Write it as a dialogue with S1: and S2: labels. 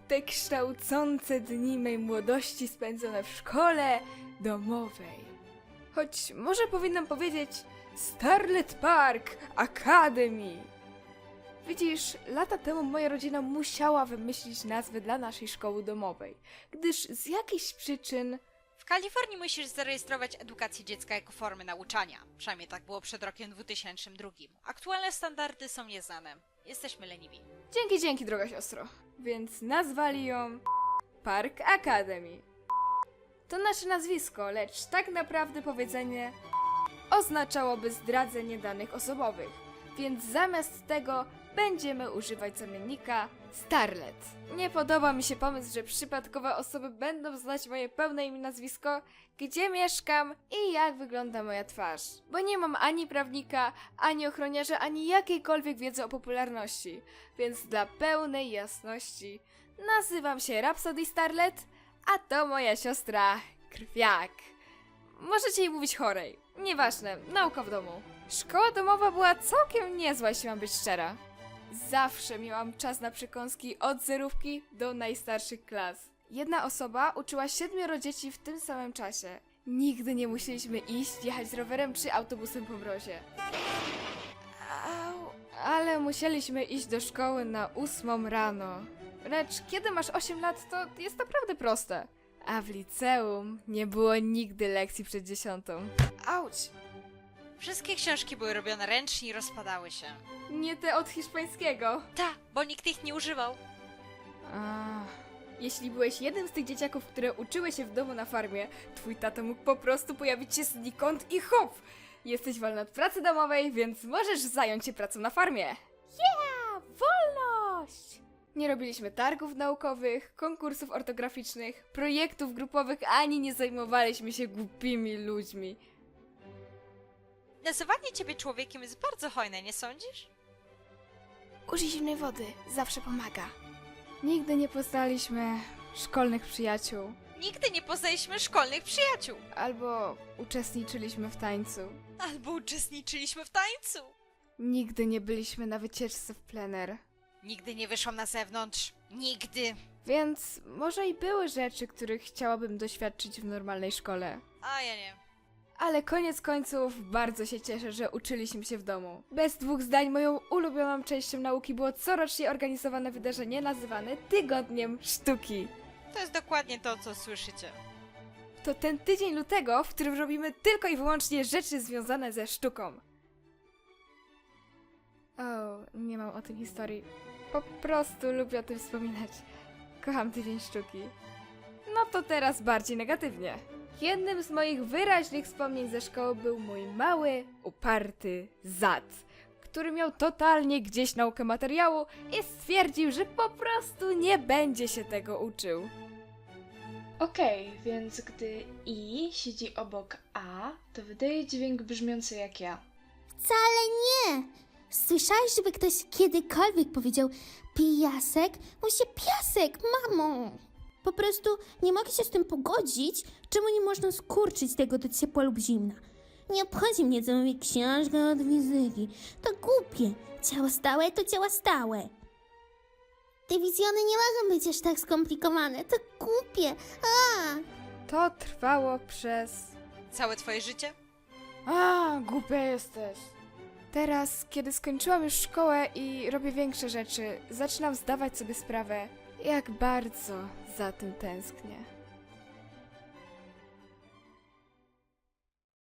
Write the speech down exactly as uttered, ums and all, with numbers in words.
S1: te kształcące dni mej młodości spędzone w szkole domowej. Choć może powinnam powiedzieć Starlet Park Academy. Widzisz, lata temu moja rodzina musiała wymyślić nazwę dla naszej szkoły domowej, gdyż z jakichś przyczyn...
S2: W Kalifornii musisz zarejestrować edukację dziecka jako formę nauczania. Przynajmniej tak było przed rokiem dwutysięcznym drugim. Aktualne standardy są nieznane. Jesteśmy leniwi.
S1: Dzięki, dzięki, droga siostro. Więc nazwali ją Park Academy. To nasze nazwisko, lecz tak naprawdę powiedzenie oznaczałoby zdradzenie danych osobowych. Więc zamiast tego będziemy używać zamiennika Starlet. Nie podoba mi się pomysł, że przypadkowe osoby będą znać moje pełne imię, nazwisko, gdzie mieszkam i jak wygląda moja twarz. Bo nie mam ani prawnika, ani ochroniarza, ani jakiejkolwiek wiedzy o popularności. Więc dla pełnej jasności nazywam się Rhapsody Starlet, a to moja siostra Krwiak. Możecie jej mówić chorej. Nieważne, nauka w domu. Szkoła domowa była całkiem niezła, jeśli mam być szczera. Zawsze miałam czas na przekąski od zerówki do najstarszych klas. Jedna osoba uczyła siedmioro dzieci w tym samym czasie. Nigdy nie musieliśmy iść, jechać rowerem czy autobusem po mrozie. Au, ale musieliśmy iść do szkoły na ósmą rano. Lecz kiedy masz osiem lat, to jest naprawdę proste. A w liceum nie było nigdy lekcji przed dziesiątą. Auć!
S2: Wszystkie książki były robione ręcznie i rozpadały się.
S1: Nie te od hiszpańskiego.
S2: Ta, bo nikt ich nie używał.
S1: Ach, jeśli byłeś jednym z tych dzieciaków, które uczyły się w domu na farmie, twój tato mógł po prostu pojawić się znikąd i hop! Jesteś wolny od pracy domowej, więc możesz zająć się pracą na farmie. Yeah! Wolność! Nie robiliśmy targów naukowych, konkursów ortograficznych, projektów grupowych, ani nie zajmowaliśmy się głupimi ludźmi.
S2: Nazywanie ciebie człowiekiem jest bardzo hojne, nie sądzisz?
S1: Użyj zimnej wody, zawsze pomaga. Nigdy nie poznaliśmy szkolnych przyjaciół.
S2: Nigdy nie poznaliśmy szkolnych przyjaciół.
S1: Albo uczestniczyliśmy w tańcu.
S2: Albo uczestniczyliśmy w tańcu.
S1: Nigdy nie byliśmy na wycieczce w plener.
S2: Nigdy nie wyszłam na zewnątrz. Nigdy.
S1: Więc może i były rzeczy, których chciałabym doświadczyć w normalnej szkole.
S2: A ja nie.
S1: Ale koniec końców bardzo się cieszę, że uczyliśmy się w domu. Bez dwóch zdań moją ulubioną częścią nauki było corocznie organizowane wydarzenie nazywane Tygodniem Sztuki.
S2: To jest dokładnie to, co słyszycie.
S1: To ten tydzień lutego, w którym robimy tylko i wyłącznie rzeczy związane ze sztuką. O, nie mam o tym historii. Po prostu lubię o tym wspominać. Kocham tydzień sztuki. No to teraz bardziej negatywnie. Jednym z moich wyraźnych wspomnień ze szkoły był mój mały, uparty zad, który miał totalnie gdzieś naukę materiału i stwierdził, że po prostu nie będzie się tego uczył.
S3: Okej, więc gdy I siedzi obok A, to wydaje dźwięk brzmiący jak ja.
S4: Wcale nie! Słyszałeś, żeby ktoś kiedykolwiek powiedział pijasek? Mówi się piasek, mamo! Po prostu nie mogę się z tym pogodzić, czemu nie można skurczyć tego do ciepła lub zimna. Nie obchodzi mnie, co mówi książka od fizyki. To głupie. Ciało stałe to ciało stałe. Te wizjony nie mogą być aż tak skomplikowane. To głupie. A!
S1: To trwało przez...
S2: Całe twoje życie?
S1: A, głupia jesteś. Teraz, kiedy skończyłam już szkołę i robię większe rzeczy, zaczynam zdawać sobie sprawę, jak bardzo za tym tęsknię.